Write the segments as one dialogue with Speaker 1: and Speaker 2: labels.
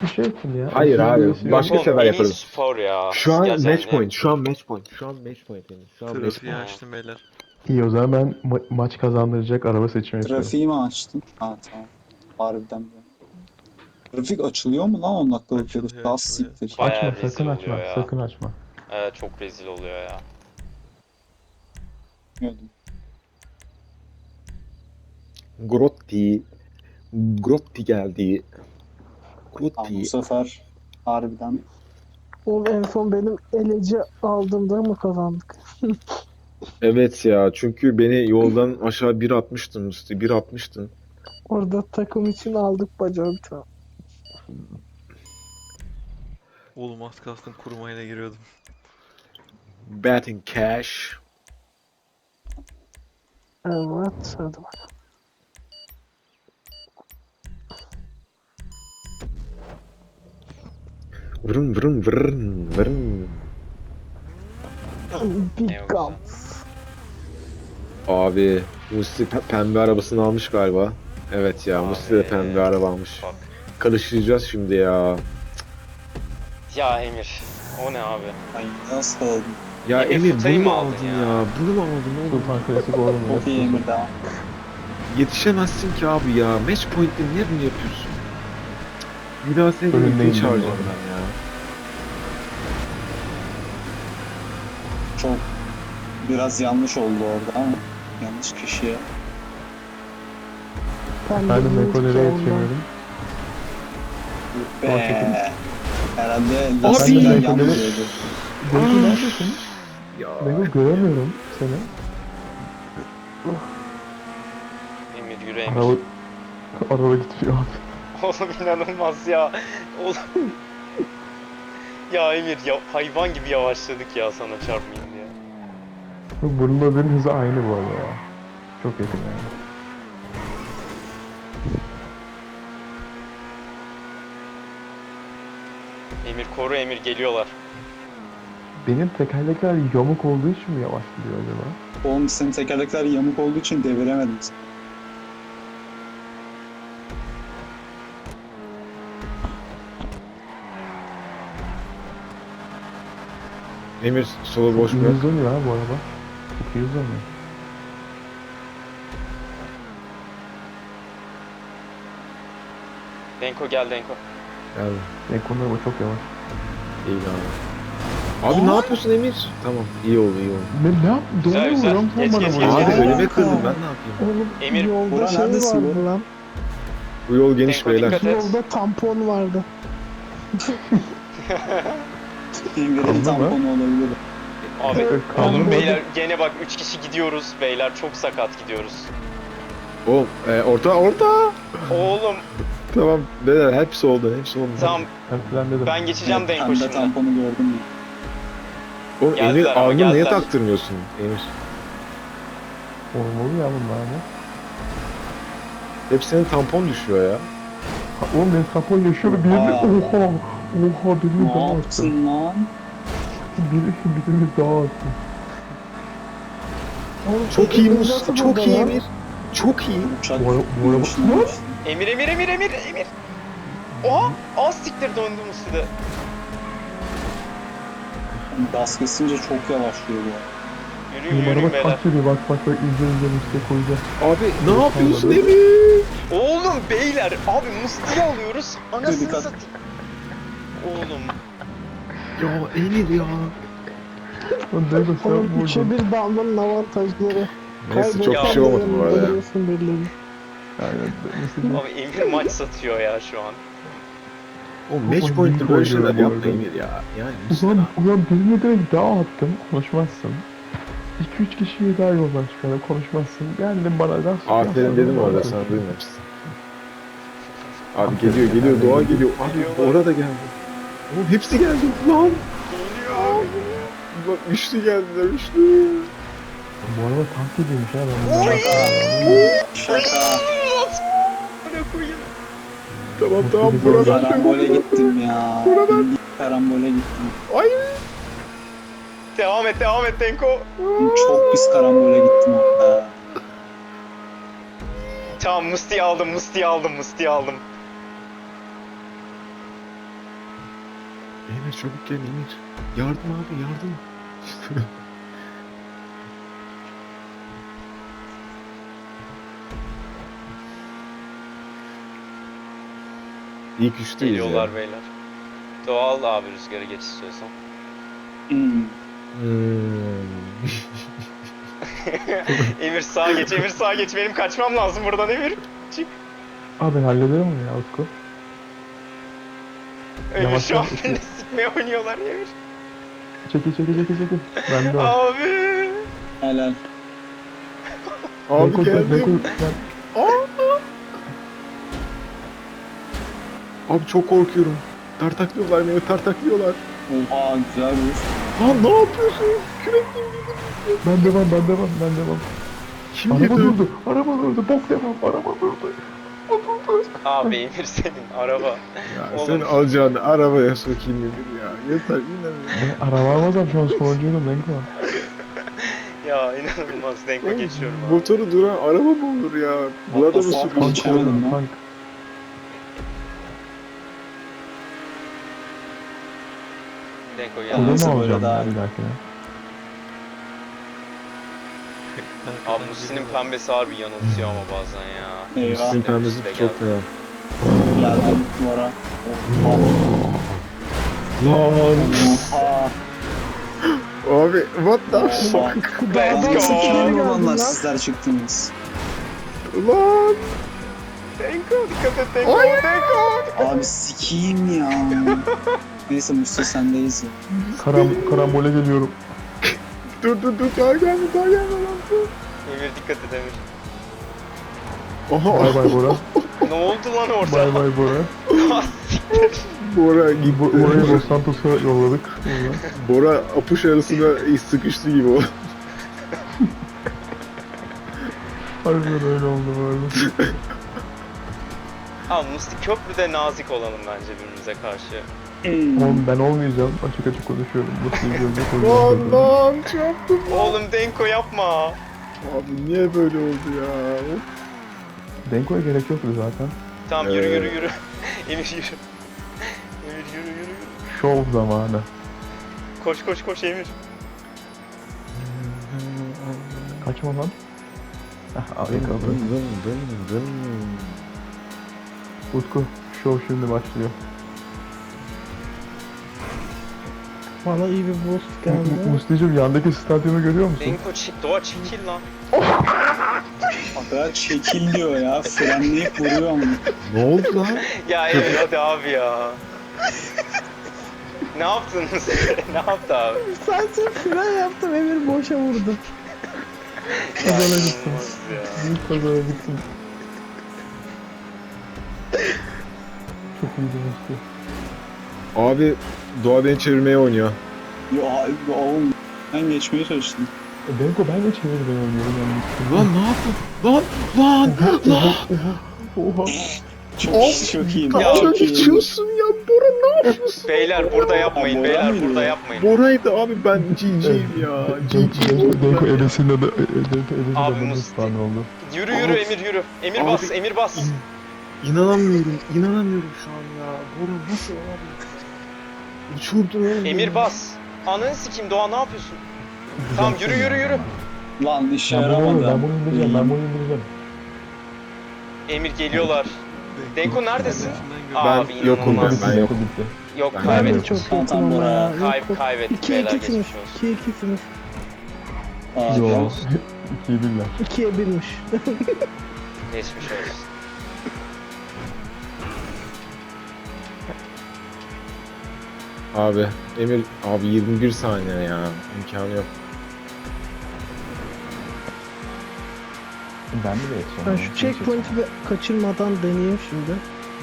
Speaker 1: şey yapın ya.
Speaker 2: Hayır
Speaker 1: Aşırı
Speaker 2: abi,
Speaker 1: birisi
Speaker 2: başka
Speaker 1: yok.
Speaker 2: sefer
Speaker 3: en iyi
Speaker 2: yaparız.
Speaker 3: spor ya.
Speaker 2: Şu an
Speaker 3: Gerçekten
Speaker 2: match point. Şu an match point. Şu an match point yani. Şu an match
Speaker 4: Trafiği
Speaker 2: point.
Speaker 4: açtım beyler.
Speaker 1: İyi o zaman ben maç kazandıracak araba seçimi yapıyorum.
Speaker 5: Trafiği mi açtın? Ha tamam. Harbiden mi? Trafik açılıyor mu lan 10 dakikalık yarış?
Speaker 4: Açılıyor,
Speaker 5: Daha
Speaker 4: açılıyor.
Speaker 5: siktir.
Speaker 3: Bayağı
Speaker 1: Açma
Speaker 3: rezil
Speaker 1: sakın
Speaker 3: oluyor
Speaker 1: açma.
Speaker 3: ya.
Speaker 1: Sakın açma.
Speaker 3: Evet, çok rezil oluyor ya.
Speaker 5: Bilmiyordum.
Speaker 2: Grotti. Grotti geldi.
Speaker 5: Tamam, bu
Speaker 2: Grotti.
Speaker 5: sefer harbiden
Speaker 6: Oğlum en son benim eleci aldığımda mı kazandık?
Speaker 2: Evet ya, çünkü beni yoldan aşağı bir atmıştın Musti. Bir atmıştın.
Speaker 6: Orada takım için aldık bacağı bir tane.
Speaker 4: Oğlum az kalsın kurumayla giriyordum.
Speaker 2: Betting cash.
Speaker 6: Evet hadi bak.
Speaker 2: Vırın vırın vırın vırın.
Speaker 3: Ne
Speaker 6: Big
Speaker 3: o
Speaker 6: Guns.
Speaker 2: Abi Musti pembe arabasını almış galiba. Evet ya, Musti de
Speaker 3: Abi,
Speaker 2: pembe araba almış.
Speaker 3: Bak.
Speaker 2: Karıştıracağız şimdi ya.
Speaker 3: Ya Emir. O ne abi?
Speaker 5: ay nasıl aldım?
Speaker 2: Ya
Speaker 3: Emir,
Speaker 2: Emir
Speaker 3: Futay'ı
Speaker 2: bunu mu
Speaker 3: mı aldın
Speaker 2: aldın
Speaker 3: ya?
Speaker 2: ya? Bunu mu aldın oğlum?
Speaker 1: Sultan Klasik oğlum.
Speaker 5: Çok iyi Emir devam.
Speaker 2: Yetişemezsin ki abi ya. Match point'te niye bunu yapıyorsun? Bir daha seni
Speaker 1: Önündeyim
Speaker 2: birlikte
Speaker 1: ben
Speaker 2: çağıracağım
Speaker 1: bu arada.
Speaker 2: ben ya.
Speaker 5: Çok biraz yanlış oldu orada ama yanlış kişiye.
Speaker 6: Ben
Speaker 1: Ben de
Speaker 6: bilmiyorum
Speaker 1: Meko'lara
Speaker 6: ki ondan.
Speaker 1: yetişemiyorum.
Speaker 5: Be. Herhalde
Speaker 2: Abi!
Speaker 5: lastikler
Speaker 1: Ben de
Speaker 5: yanlış
Speaker 1: Meko'ları-
Speaker 5: oldu.
Speaker 1: Beko neredesin?
Speaker 2: Ya.
Speaker 1: Beko göremiyorum seni.
Speaker 3: Emir yürü Emir.
Speaker 1: Araba, araba gidiyor abi.
Speaker 3: Oğlum inanılmaz ya. Oğlum. Ya Emir ya, hayvan gibi yavaşladık ya sana çarpmayayım diye.
Speaker 1: Bununla benim hızı aynı bu arada ya. Çok yakın yani.
Speaker 3: Emir koru Emir, geliyorlar.
Speaker 1: Benim tekerlekler yamuk olduğu için mi yavaş gidiyor acaba?
Speaker 5: Oğlum senin tekerlekler yamuk olduğu için deviremedim.
Speaker 2: Emir solu boş
Speaker 1: Çok iyi
Speaker 2: bırak.
Speaker 1: hızlanıyor ha bu araba. Çok iyi hızlanıyor.
Speaker 3: Denko gel Denko.
Speaker 2: Geldi.
Speaker 1: Beko'nun araba çok yavaş.
Speaker 2: İyi abi. Abi ne yapıyorsun Emir? Tamam, iyi oldu iyi oldu.
Speaker 1: Ne yap? Doğru
Speaker 3: Güzel, güzel.
Speaker 1: vuruyorum sen
Speaker 3: Geç,
Speaker 1: bana
Speaker 3: geç,
Speaker 1: vuruyorsun.
Speaker 3: geç,
Speaker 2: Abi
Speaker 3: geç.
Speaker 2: önüme kırdın, ben ne yapayım?
Speaker 6: Oğlum
Speaker 3: Emir,
Speaker 6: yolda
Speaker 5: Burak
Speaker 6: şey
Speaker 5: neredesin
Speaker 6: vardı
Speaker 5: bu?
Speaker 6: lan.
Speaker 2: Bu yol geniş
Speaker 3: Denko,
Speaker 2: beyler.
Speaker 3: dikkat et.
Speaker 6: Yolda tampon vardı.
Speaker 5: Emir'in
Speaker 1: Anladın mı?
Speaker 5: tamponu olabilir.
Speaker 3: Abi
Speaker 1: Kaldı
Speaker 3: oğlum
Speaker 1: mı?
Speaker 3: beyler gene bak 3 kişi gidiyoruz beyler, çok sakat gidiyoruz.
Speaker 2: Oğlum orta.
Speaker 3: Oğlum
Speaker 2: Tamam beyler, hepsi oldu hepsi oldu.
Speaker 3: tamam,
Speaker 1: Ben falan dedim.
Speaker 3: ben geçeceğim Denko
Speaker 5: Pembe
Speaker 3: şimdi.
Speaker 5: tamponu gördüm ya.
Speaker 2: Oğlum Emir
Speaker 3: Geldiler ama,
Speaker 2: alnını niye
Speaker 3: geldiler.
Speaker 2: taktırmıyorsun Emir?
Speaker 1: Olmalı ya bunlar mı?
Speaker 2: Hepsinin tampon düşüyor ya.
Speaker 1: Ha, oğlum benim tampon yaşıyor ve birini
Speaker 5: Aa.
Speaker 1: oha birini
Speaker 5: Ne
Speaker 1: daha attı.
Speaker 5: yaptın lan?
Speaker 1: Birini daha attı.
Speaker 6: Oğlum,
Speaker 2: Çok iyi
Speaker 6: Emir
Speaker 2: Mus,
Speaker 6: nasıl
Speaker 2: çok
Speaker 6: burada
Speaker 2: iyi
Speaker 6: lan?
Speaker 2: Emir. Çok iyi.
Speaker 5: Uçak
Speaker 1: Bu araba-
Speaker 5: yürüyüşüne bak.
Speaker 3: Emir Emir Emir Emir Emir. Oha, az siktir döndüm üstüde.
Speaker 5: Gaz kesince çok yavaşlıyor bu.
Speaker 3: Yürüyün
Speaker 1: Benim
Speaker 3: yürüyün
Speaker 1: araba
Speaker 3: beyler.
Speaker 1: kaç veriyor bak ince üstüne koyacağım.
Speaker 2: Abi ne yapıyorsun
Speaker 1: Anladım.
Speaker 2: Emir?
Speaker 3: Oğlum beyler, abi Musti'yi alıyoruz. Anasını
Speaker 5: Dikkat.
Speaker 3: satayım. Oğlum
Speaker 2: Ya Emir ya.
Speaker 1: Lan ne de sen
Speaker 6: Oğlum 3'e
Speaker 1: vurdun.
Speaker 6: 1 dalmanın avantajları.
Speaker 2: Neyse çok
Speaker 3: Ya.
Speaker 2: bir şey olmadı bu arada ya.
Speaker 6: Görüyorsun birilerini.
Speaker 1: Aynen. Mesela
Speaker 3: abi Emir maç satıyor ya şu an.
Speaker 2: Oğlum match
Speaker 1: Ulan
Speaker 2: point'te
Speaker 1: iyi
Speaker 2: böyle
Speaker 1: oynuyor
Speaker 2: şeyler
Speaker 1: bu
Speaker 2: yapma
Speaker 1: arada.
Speaker 2: Emir ya. Yani
Speaker 1: ulan birine direkt daha attım. Konuşmazsın. 2-3 kişiyi daha yoldan çıkardım. Konuşmazsın. Geldin bana da.
Speaker 2: aferin dedim orada, sana duymamışsın. Abi geliyor doğa geliyor. Abi
Speaker 3: Geliyorlar.
Speaker 2: orada geldi. Oğlum hepsi geldi lan. Bak üçlü geldiler üçlü.
Speaker 1: Bu araba tank gibiymiş ha. Ben bunu
Speaker 5: Şaka.
Speaker 2: Tamam burada.
Speaker 5: Karambole gittim ya. Karambole gittim.
Speaker 2: Ay.
Speaker 3: Devam et Denko.
Speaker 5: Çok pis karambole gittim orada.
Speaker 3: Tamam, Musti'yi aldım.
Speaker 2: Emir çabuk gel Emir. Yardım abi yardım. İlk üçteyiz
Speaker 3: Geliyorlar
Speaker 2: ya.
Speaker 3: beyler. Doğal abi rüzgarı geç istiyorsan.
Speaker 5: Hmm.
Speaker 3: Emir sağa geç, Emir sağa geç. Benim kaçmam lazım buradan Emir. Çık.
Speaker 1: Abi ben hallederim onu ya Utku.
Speaker 3: Emir
Speaker 1: Yavaş
Speaker 3: şu an
Speaker 1: yavaş.
Speaker 3: beni sikmeye oynuyorlar Emir.
Speaker 1: Çekil. Ben de var.
Speaker 3: Abi.
Speaker 5: Helal.
Speaker 2: Abi
Speaker 1: Beko,
Speaker 2: geldim. Abi çok korkuyorum. Tartaklıyorlar beni tartaklıyorlar.
Speaker 5: Oha güzel bir.
Speaker 2: Lan ne yapıyorsun? Kürekli
Speaker 1: Ben devam.
Speaker 2: Kim
Speaker 1: Araba
Speaker 2: girdi?
Speaker 1: durdu. Bok devam. Araba durdu.
Speaker 3: Abi Emir senin araba.
Speaker 2: Ya
Speaker 3: Oğlum.
Speaker 2: sen alacağını arabaya sokayım Emir ya. Yeter inanmıyorum.
Speaker 1: Ben araba almazsam şu an sonuncuydum Denko.
Speaker 3: Ya inanılmaz Denko geçiyorum abi.
Speaker 2: Motoru duran araba mı olur ya? Bu adamı
Speaker 5: Motor
Speaker 2: sürüyor.
Speaker 5: geçemedim lan.
Speaker 1: Tank.
Speaker 3: Denko
Speaker 1: Kolu
Speaker 3: gel.
Speaker 1: mu
Speaker 5: Neyse, böyle
Speaker 1: alacağım
Speaker 5: daha
Speaker 1: ya
Speaker 5: iyi.
Speaker 1: bir dahakine?
Speaker 3: Abi Musti'nin pembesi harbi yanıltıyor ama bazen ya.
Speaker 5: Eyvah.
Speaker 2: Sizin pembesi
Speaker 3: Musti de
Speaker 2: çok fena.
Speaker 5: Geldim duvara.
Speaker 2: Lan.
Speaker 5: Oha.
Speaker 2: Abi what the
Speaker 5: Oha.
Speaker 2: fuck?
Speaker 3: Let's
Speaker 5: Nasıl
Speaker 3: go.
Speaker 5: kilim
Speaker 6: Lan.
Speaker 5: olanlar sizler çıktınız.
Speaker 2: Lan.
Speaker 3: Denko dikkat et Denko. Denko.
Speaker 5: Abi sikiyim ya. Neyse Mustafa sendeyiz ya.
Speaker 1: Karambole geliyorum.
Speaker 2: Dur daha gelme lan dur.
Speaker 3: Emir dikkat et Emir.
Speaker 2: Aha.
Speaker 1: Bay bay Bora.
Speaker 3: Ne oldu lan orada?
Speaker 1: Bay bay Bora.
Speaker 2: Bora gitti.
Speaker 1: Bora'yı Los Santos'a yolladık.
Speaker 2: Bora apış arasına sıkıştı gibi o.
Speaker 1: Harbiden öyle oldu bu arada.
Speaker 3: Abi Musti köprüde nazik olalım bence birbirimize karşı.
Speaker 1: Oğlum ben olmayacağım. Açık konuşuyorum. Bu gözle
Speaker 2: Lan
Speaker 1: konuşuyorum.
Speaker 2: lan çarptım.
Speaker 3: Oğlum Denko yapma.
Speaker 2: Abi niye böyle oldu ya?
Speaker 1: Denko'ya gerek yoktu zaten.
Speaker 3: Tamam yürü. Emir yürü. Emir yürü.
Speaker 1: Şov zamanı.
Speaker 3: Koş Emir.
Speaker 1: Kaçma lan. Alayım kapı. Utku, şov şimdi başlıyor.
Speaker 6: Bana iyi bir boost geldi.
Speaker 1: Musti'cim yandaki stadyumu görüyor musun?
Speaker 3: Denko Doğa çekil lan.
Speaker 5: Aga çekil diyor ya. Frenleyip vuruyor mu?
Speaker 2: Ne oldu lan?
Speaker 3: Ya Emir hadi abi ya. Ne yaptınız? Ne yaptı abi?
Speaker 6: Sadece fren yaptım, Emir boşa vurdu.
Speaker 1: Kazana gittim.
Speaker 3: İnanılmaz ya.
Speaker 1: Büyük kazana gittim. Çok iyiydi Musti.
Speaker 2: Abi Doğa beni çevirmeye oynuyor.
Speaker 5: Ya oğlum ben geçmeye çalıştım.
Speaker 1: Denko ben de çevirden oynuyorum yani.
Speaker 2: Lan ne yaptın? Lan!
Speaker 1: Oha.
Speaker 5: Çok iyi.
Speaker 3: Ya,
Speaker 5: Çok iyi.
Speaker 2: geçiyorsun ya Bora ne yapıyorsun?
Speaker 3: Beyler burada yapmayın.
Speaker 5: Bora
Speaker 3: Beyler
Speaker 5: mıydı
Speaker 3: burada
Speaker 5: ya?
Speaker 3: yapmayın.
Speaker 2: Bora'ydı abi ben GG'yim ya.
Speaker 1: Denko ebesinin adı. Denko ebesinin
Speaker 3: Abi
Speaker 1: adı
Speaker 3: Musti.
Speaker 1: Musti oldu.
Speaker 3: Yürü
Speaker 2: Abi-
Speaker 3: Emir yürü. Emir
Speaker 2: Abi-
Speaker 3: bas Emir bas.
Speaker 2: İnanamıyorum şu an ya. Bora nasıl abi? Uçurdu oğlum.
Speaker 3: Emir bas. Ananı sikeyim Doğa ne yapıyorsun? Tamam yürü.
Speaker 5: Lan işe
Speaker 1: Ben bunu
Speaker 5: yaramadı.
Speaker 1: indireceğim.
Speaker 3: Emir geliyorlar. Denko neredesin?
Speaker 2: Ben
Speaker 3: Abi
Speaker 2: yokum
Speaker 3: inanılmaz.
Speaker 2: ben yokum.
Speaker 1: Bitti.
Speaker 3: Yok
Speaker 2: Ben
Speaker 6: Ben de
Speaker 3: kaybettik.
Speaker 6: çok
Speaker 5: Tamam,
Speaker 6: kötüyüm ama
Speaker 5: Bora.
Speaker 6: ya.
Speaker 3: Kaybettik
Speaker 6: 2'ye
Speaker 3: beyler
Speaker 6: 2'siniz.
Speaker 3: geçmiş olsun.
Speaker 6: 2'ye 2'siniz.
Speaker 5: Aa,
Speaker 1: Yo.
Speaker 5: ya.
Speaker 1: 2'yi birler.
Speaker 6: 2'ye 1'miş.
Speaker 3: Geçmiş olsun.
Speaker 2: Abi Emir abi 21 saniye ya. İmkanı yok.
Speaker 1: Ben de yetişeceğim.
Speaker 6: Ben şu checkpoint'i bir kaçırmadan deneyeyim şimdi.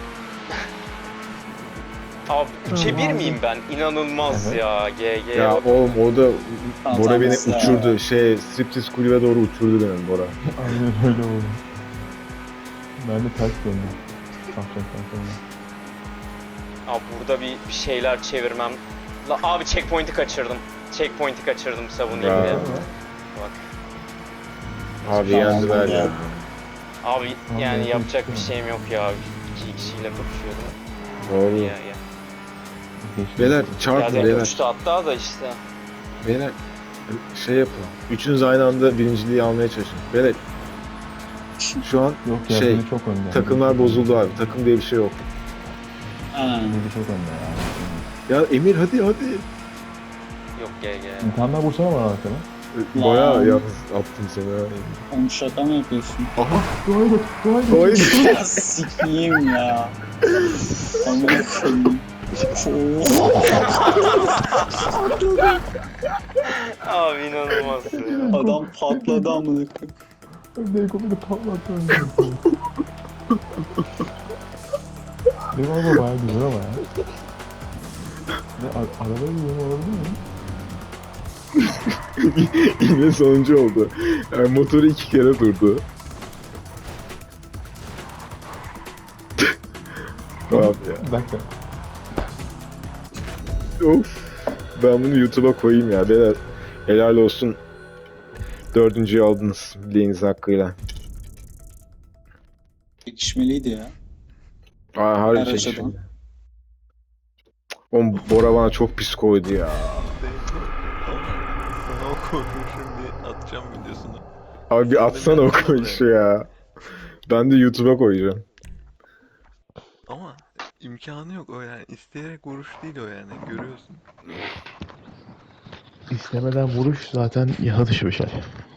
Speaker 3: Abi 3'e 1
Speaker 6: Tamam,
Speaker 3: miyim ben? İnanılmaz
Speaker 1: Evet.
Speaker 3: ya. GG.
Speaker 2: Ya oğlum orada
Speaker 5: Tamam,
Speaker 2: Bora beni
Speaker 5: mesela.
Speaker 2: uçurdu. Striptiz kulübe doğru uçurdu benim Bora.
Speaker 1: Aynen öyle oldu. Ben de ters döndüm. Ahşaptan sonra.
Speaker 3: Abi burada bir şeyler çevirmem. Abi checkpoint'i kaçırdım. Checkpoint'i kaçırdım savunayım
Speaker 2: Bravo.
Speaker 3: diye. Bak.
Speaker 2: Abi yendiler ya.
Speaker 3: Abi
Speaker 1: Abi,
Speaker 3: yani
Speaker 1: evet,
Speaker 3: yapacak bir
Speaker 1: evet.
Speaker 3: şeyim yok ya. İki kişiyle kapışıyordum.
Speaker 2: Doğru.
Speaker 3: Ya.
Speaker 1: Geçti.
Speaker 2: Beyler çarpın
Speaker 3: Yerden
Speaker 2: beyler.
Speaker 3: uçtu hatta da işte.
Speaker 2: Beyler şey yapın. Üçünüz aynı anda birinciliği almaya çalışın. Beyler şu an
Speaker 1: Yok ya
Speaker 2: şey,
Speaker 1: biri çok önde.
Speaker 2: takımlar bozuldu abi. Takım diye bir şey yok.
Speaker 5: Ha.
Speaker 1: Biri çok önde ya.
Speaker 2: Ya Emir hadi hadi.
Speaker 3: Yok GG.
Speaker 1: Bir tane daha vursana bana arkana.
Speaker 2: Bayağı
Speaker 5: Lan.
Speaker 2: yalnız attım seni ha.
Speaker 5: Oğlum şaka mı yapıyorsun?
Speaker 2: Aha.
Speaker 1: Doğaya git. Doğaya git.
Speaker 2: Oy.
Speaker 5: Ya sikiyim ya. Amına koyayım.
Speaker 3: Abi inanılmazsın.
Speaker 5: Adam patladı amına koyayım.
Speaker 1: Dekomu da patlattı önce. Benim araba bayağı güzel ama ya. Arabayı güzel olabilir mi?
Speaker 2: Yine sonuncu oldu. Yani motoru 2 kere durdu. Abi ya.
Speaker 1: Bir dakika.
Speaker 2: Of. Ben bunu YouTube'a koyayım ya. Beyler helal olsun. 4.'yü aldınız bileğiniz hakkıyla.
Speaker 5: Çekişmeliydi ya.
Speaker 2: Aa harbi
Speaker 5: Her
Speaker 2: çekişim.
Speaker 5: açıdan.
Speaker 2: Oğlum Bora bana çok pis koydu ya.
Speaker 4: Ama sana o koyduğu şimdi atacağım videosunu.
Speaker 2: Abi bir atsana o koyuşu ya. Ben de YouTube'a koyacağım.
Speaker 4: Ama imkanı yok o yani. İsteyerek vuruş değil o yani. Görüyorsun.
Speaker 1: İstemeden vuruş zaten yaha dışı bir şey.